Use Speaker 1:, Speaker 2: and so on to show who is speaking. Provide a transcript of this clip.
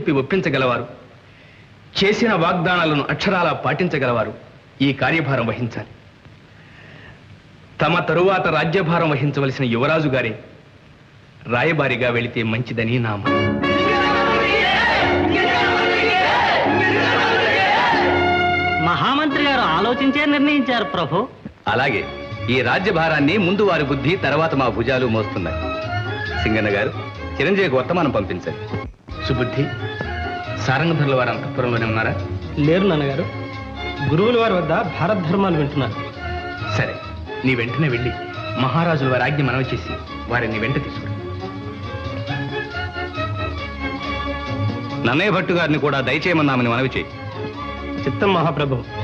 Speaker 1: చెప్పి ఒప్పించగలవారు, చేసిన వాగ్దానాలను అక్షరాలా పాటించగలవారు ఈ కార్యభారం వహించాలి. తమ తరువాత రాజ్యభారం వహించవలసిన యువరాజు గారే రాయబారిగా వెళితే మంచిదని నా మాట.
Speaker 2: మహామంత్రి గారు ఆలోచించే నిర్ణయించారు ప్రభు.
Speaker 3: అలాగే ఈ రాజ్యభారాన్ని ముందు వారి బుద్ధి, తర్వాత మా భుజాలు మోస్తున్నాయి. సింగన్న గారు, చిరంజీవికి వర్తమానం పంపించాలి.
Speaker 1: సుబుద్ధి, సారంగధరుల వారు అంతఃపురంలోనే ఉన్నారా?
Speaker 4: లేరు నాన్నగారు, గురువుల వారి వద్ద భారత ధర్మాలు వింటున్నారు.
Speaker 1: సరే, నీ వెంటనే వెళ్ళి మహారాజుల వారి ఆజ్ఞ మనవి చేసి వారిని వెంట తీసుకురా.
Speaker 3: నన్నయ్య భట్టు గారిని కూడా దయచేయమన్నామని మనవి చేయి.
Speaker 4: చిత్తం మహాప్రభు.